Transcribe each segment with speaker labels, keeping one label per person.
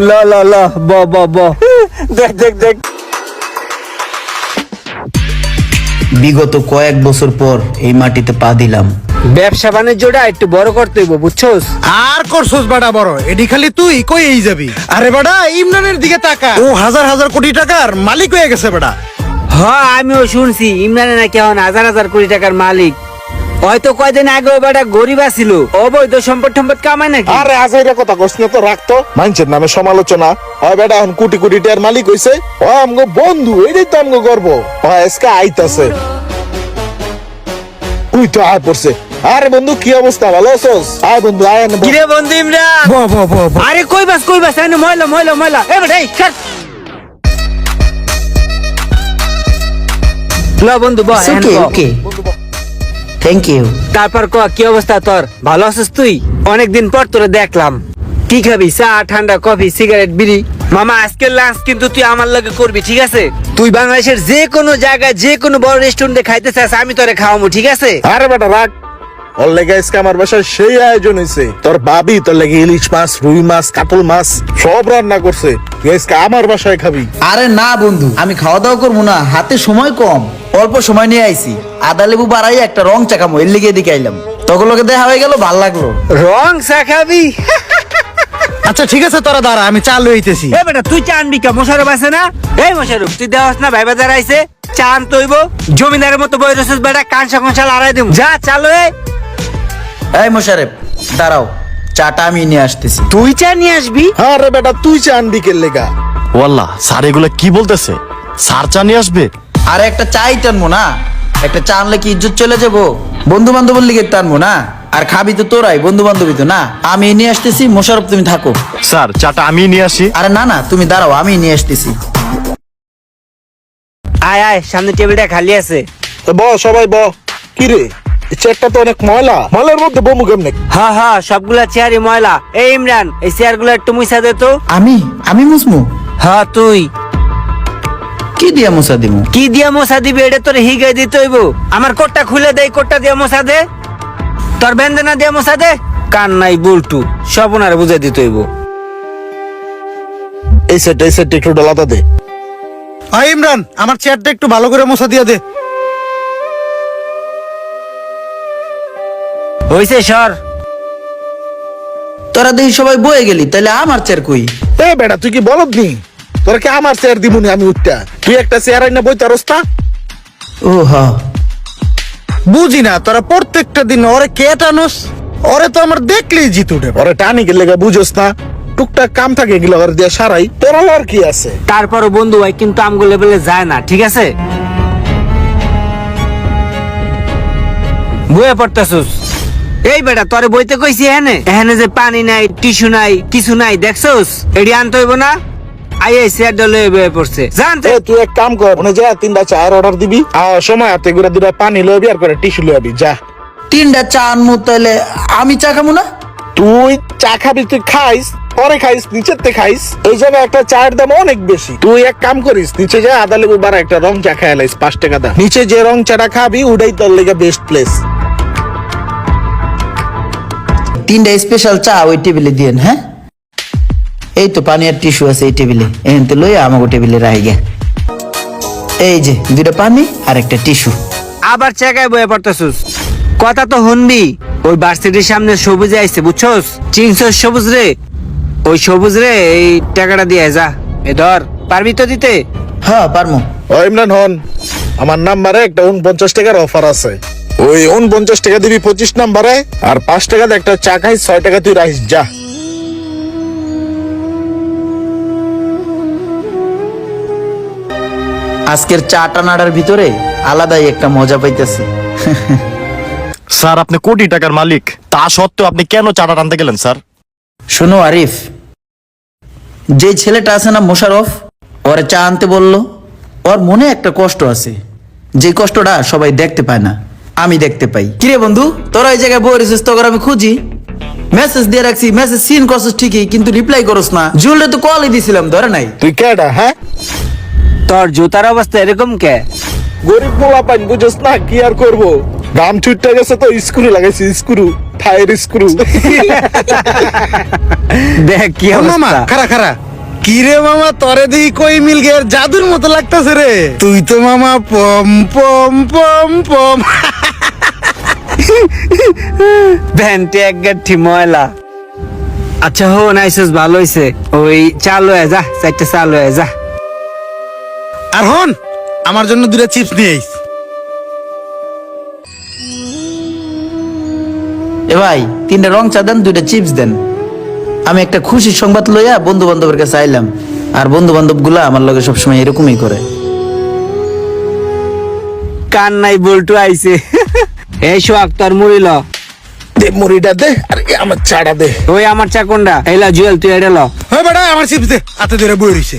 Speaker 1: ল ল ল ব ব ব দেখ দেখ দেখ।
Speaker 2: বিগত কয়েক বছর পর এই মাটিতে পা দিলাম।
Speaker 1: ব্যবসা বাণিজ্যটা একটু বড় করতে হইব, বুঝছস?
Speaker 3: আর করছস বাড়া বড়, এডি খালি তুই কই এই যাবি? আরে বাড়া ইমরানের দিকে তাকা, ও হাজার হাজার কোটি টাকার মালিক হয়ে গেছে বাড়া।
Speaker 1: হ্যাঁ আমিও শুনছি ইমরানের নাকি এখন হাজার হাজার কোটি টাকার মালিক। হয়তো কয়দিন আগে ওই বেটা গরিব আছিল, অবৈধ সম্পদ টম্পদ কামায় নাকি।
Speaker 4: আরে আজাইরা কথা কস না তো, রাখতো মানুষের নামে সমালোচনা হয়। বেটা এখন কোটি কোটি টাকার মালিক হইছে, ও আমগো বন্ধু, এটাই তো আমগো গর্ব। আজকে আইতাছে, তুই তো আয় পড়ছে। আরে বন্ধু কি অবস্থা, ভালো আছোস? আয় বন্ধু আয় না।
Speaker 1: কিরে বন্ধু ইমরান?
Speaker 3: ব ব ব ব।
Speaker 1: আরে কই বাস এনে ময়লা ময়লা ময়লা। এ বেটা এই ছাড়। ল বন্ধু বহ।
Speaker 2: Okay okay, thank you.
Speaker 1: তারপর ক কি অবস্থা তোর? ভালো আছিস তুই? অনেকদিন পর তোরে দেখলাম। কি খাবি? চা, ঠান্ডা, কফি, সিগারেট, বিড়ি? মামা আজকের লাঞ্চ কিন্তু তুই আমার লগে করবি, ঠিক আছে? তুই বাংলাদেশের যে কোনো জায়গায় যে কোনো বড় রেস্টুরেন্টে খাইতে চাস, আমি তোরে খাওয়াবো, ঠিক আছে?
Speaker 4: আরে বেটা রাখ, ওর লেগে আজকে আমার বাসায় সেই আয়োজন হয়েছে। তোর ভাবি তোর লেগে ইলিশ মাছ, রুই মাছ, কাতল মাছ সব রান্না করছে। তুই আজকে আমার বাসায় খাবি।
Speaker 2: আরে না বন্ধু, আমি খাওয়া দাওয়া করবো না, হাতে সময় কম, অল্প সময় নিয়ে আইছি। আদা লেবু বাড়াই একটা রং চাকামো, এর লিগে এদিকে আইলাম। তখন লোকে দেখা হয়ে গেল, ভাল লাগলো।
Speaker 1: রং চা খাবি?
Speaker 3: আচ্ছা ঠিক আছে, তোরা দাঁড়া, আমি চা লইতেছি।
Speaker 1: এ বেটা তুই চা আনবি কে? মোশারফ আছে না? এই মোশারফ তুই দেওয়াস না, ভাই বাজার আইছে, চা আনতে হইব। জমিদারের মতো বই রসুস বেটা, কাঁচা কঞ্চা লড়াই দিম। যা চালো।
Speaker 2: এই মোশারেফ দাঁড়াও, চাটা আমি নিয়ে আসতেছি।
Speaker 1: তুই চা নিয়ে আসবি?
Speaker 4: আরে বেটা তুই চা আনবি কে লেগা?
Speaker 5: ওয়াল্লাহ স্যার এগুলো কি বলতেছে? স্যার চা নিয়ে আসবে?
Speaker 2: আরে একটা চাই টানবো না, একটা চা আনলে কি ইজ্জত চলে যাবো? বন্ধু বান্ধবের লিগে টানবো না? আর খাবি তো তোরাই, বন্ধু বান্ধবী তো না। আমি নিয়ে আসতেছি, মোশারফ তুমি থাকো।
Speaker 5: স্যার চাটা আমি নিয়ে আসি।
Speaker 2: আরে না না, তুমি দাঁড়াও, আমি নিয়ে আসতেছি।
Speaker 1: আয় আয়, সামনে টেবিলটা খালি আছে।
Speaker 4: ব সবাই ব। কি রে, এই চেয়ারটা তো অনেক ময়লা, ময়লার মধ্যে বমু কেমনে?
Speaker 1: হ্যাঁ হ্যাঁ, সবগুলা চেয়ারই ময়লা। এই ইমরান, এই চেয়ার গুলো একটু মুছা দে তো।
Speaker 2: আমি মুসমু?
Speaker 1: হ্যাঁ তুই।
Speaker 2: কি দিয়া মুসা দিমু?
Speaker 1: কি দিয়া মোছা দিবি? এটা তোর হিগাই দিতে হইব। আমার কোটটা খুলে দে, কোটটা দিয়া মোছা দে। তোর বেন্দনা দিয়া মোছা দে। কান নাই বুলটু, সব ওনারে বুঝাই দিতে হইব।
Speaker 4: এই সেট একটু ডালাতা দে।
Speaker 3: আই ইমরান, আমার চেয়ারটা একটু ভালো করে মোছা দিয়া দে।
Speaker 1: হইছে সর।
Speaker 2: তোরা দেখি সবাই বয়ে গেলি, তাহলে আমার চেয়ার কই?
Speaker 4: এ বেটা তুই কি বলদ নি? তোর কি আমার চেয়ার দিবনি আমি উঠটা? তুই একটা চেয়ার আইনা বইতে রস্তা।
Speaker 2: ও হ্যাঁ,
Speaker 3: বুঝি না তোরা প্রত্যেকটা দিন ওরে কে টানোস? ওরে তো আমার দেখলেই জিত উঠে।
Speaker 4: ওরে টানি গেলে বুঝোস না, টুকটাক কাম থাকে এগুলো ওর দিয়ে সারাই, তোর আর কি আছে?
Speaker 1: তারপরও বন্ধু ভাই কিন্তু আমগো লেভেলে যায় না, ঠিক আছে? বইয়ে পড়তাছুস? এই বেটা তোরে বইতে কইছি, এখানে এখানে যে পানি নাই, টিস্যু নাই, কিছু নাই, দেখছস? এডি আনতে হইব না? আই এই চেয়ার ডলে বইয়ে পড়ছে, জানতে।
Speaker 4: এ তুই এক কাম কর, মনে যা 3টা চায়ের অর্ডার দিবি, আর সময় হাতে করে 2টা পানি লইবি আর করে টিস্যু লইবি, যা।
Speaker 2: 3টা চা আনমু, তাহলে আমি চা খাবো না?
Speaker 4: তুই চা খাবি, তুই খাইস, পরে খাইস, নিচেতে খাইস। এই জায়গায় একটা চায়ের দাম অনেক বেশি। তুই এক কাম করিস, নিচে যা আদা লেবু বাড়া একটা রং চা খাই লাইস, 5 টাকা দাম। নিচে যে রং চাটা খাবি ওটাই তোর লেগে বেস্ট প্লেস।
Speaker 2: 3টা স্পেশাল চা ওই টেবিলে দিয়েন। হ্যাঁ, এই তো পানি আর টিস্যু আছে এই টেবিলে, এখান থেকে লই আমাকে টেবিলে রাখি গে। এই যে 2টা পানি আর একটা টিস্যু।
Speaker 1: আবার জায়গায় বইয়ে পড়তাছুস? কথা তো শুনবি। ওই ভার্সিটির সামনে সবুজ আইছে, বুঝছস? চিনছস সবুজ রে? ওই সবুজ রে, এই টাকাটা দিয়ে যা। এ ধর, পারবি তো দিতে?
Speaker 2: হ্যাঁ পারমু।
Speaker 4: ও ইমরান হন, আমার নাম্বারে একটা 49 টাকার অফার আছে। ওই 49 টাকা দিবি 25 নাম্বারে, আর 5 টাকাতে একটা চা খাইস, 6 টাকা তুই রাখিস, যা।
Speaker 2: আজকের চা টানাটার ভিতরে আলাদাই একটা মজা পাইতেছি।
Speaker 5: স্যার আপনি কোটি টাকার মালিক, তা সত্ত্বেও আপনি কেন চাটা টানতে গেলেন স্যার?
Speaker 2: শোনো আরিফ, যে ছেলেটা আছে না মোশারফ, ওরে চা আনতে বললো, ওর মনে একটা কষ্ট আছে, যে কষ্টটা সবাই দেখতে পায় না, আমি দেখতে পাই। কিরে বন্ধু, তোরা এই জায়গায় বই রেছিস, তোর আমি খুঁজি, মেসেজ দিয়ে রাখছি, মেসেজ সিন করছিস ঠিকই, কিন্তু রিপ্লাই করস না। জুলরে তো কলই দিছিলাম, ধরে নাই।
Speaker 4: তুই কেডা? হ্যাঁ,
Speaker 1: তোর জুতার অবস্থা এরকম কে?
Speaker 4: গরিব মোলা পাইন, বুঝোস না, কি আর করবো? দাম ছুটতে গেছে তো স্ক্রু লাগাইছি, স্ক্রু, ফায়ার স্ক্রু।
Speaker 1: দেখ কি
Speaker 3: ও মামা,
Speaker 1: অবস্থা।
Speaker 3: খারা খারা, কি রে মামা, তরে দেখি কই মিল গের জাদুর মতো লাগতাছে রে। তুই তো মামা পম পম পম পম।
Speaker 1: ভ্যানটি এক গাঠি ময়লা। আচ্ছা হো নাইসেস, ভালো হয়েছে। ওই চালু হয়ে যা, চারটা চালু হয়ে যা।
Speaker 3: আর হন, আমার জন্য 2টা চিপস নিয়ে আইস।
Speaker 2: এ ভাই 3টা রং চা দেন, 2টা চিপস দেন। আমি একটা খুশির সংবাদ লইয়া বন্ধু বান্ধবের কাছে আইলাম, আর বন্ধু বান্ধব গুলা আমার লগে সবসময় এরকমই করে।
Speaker 1: কান নাই বল্টু আইছে। এই সোহাগ তোর মুড়ি ল।
Speaker 4: দে মুড়িটা দে, আর আমার চাটা দে।
Speaker 1: ওই আমার চা কোনটা? এইলা জুয়েল তুই এটা ল।
Speaker 3: হ্যাঁ বেটা, আমার চিপস দে, হাতে ধরে বই রইছে।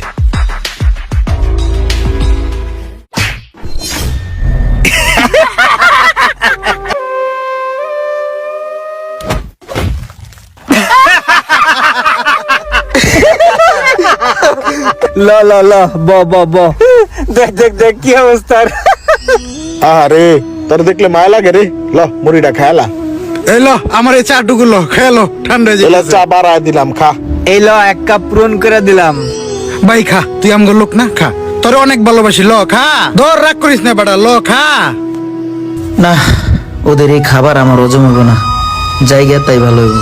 Speaker 1: ল ল ল, ব ব ব। দেখ দেখ দেখ কি অবস্থা।
Speaker 4: আরে তোর দেখলে মায়া লাগে রে। ল মুড়িটা খায়ালা।
Speaker 3: এই ল, আমার এই চাটুকু ল, খেলো, ঠান্ডা হয়ে
Speaker 4: এলা
Speaker 3: যাবে।
Speaker 4: চা বাড়ায় দিলাম, খা।
Speaker 1: এই ল, 1 কাপ পূরণ করে দিলাম।
Speaker 3: ভাই খা, তুই আমগো লোক না, খা। তোরে অনেক ভালোবাসি, ল খা। ধর, রাগ করিস না বেটা, ল খা।
Speaker 2: না, ওদের এই খাবার আমার হজম হবে না, জায়গা তাই ভালো হইব।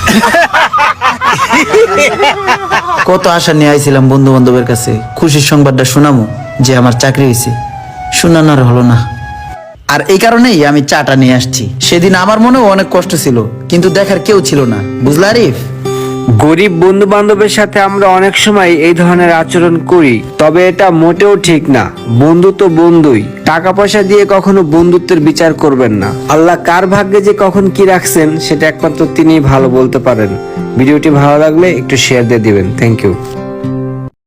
Speaker 2: কত আশা নিয়ে আইছিলাম বন্ধু বান্ধবের কাছে, খুশির সংবাদটা শোনামু যে আমার চাকরি হয়েছে, শোনানোর হলো না। আর এই কারণেই আমি চাটা নিয়ে আসছি। সেদিন আমার মনেও অনেক কষ্ট ছিল, কিন্তু দেখার কেউ ছিল না, বুঝলা আরিফ?
Speaker 1: গরিব বন্ধু বান্ধবের সাথে আমরা অনেক সময় এই ধরনের আচরণ করি, তবে এটা মোটেও ঠিক না। বন্ধু তো বন্ধুই, টাকা পয়সা দিয়ে কখনো বন্ধুত্বের বিচার করবেন না। আল্লাহ কার ভাগ্যে যে কখন কি রাখছেন সেটা একমাত্র তিনিই ভালো বলতে পারেন। ভিডিওটি ভালো লাগলে একটু শেয়ার দিয়ে দিবেন। Thank you.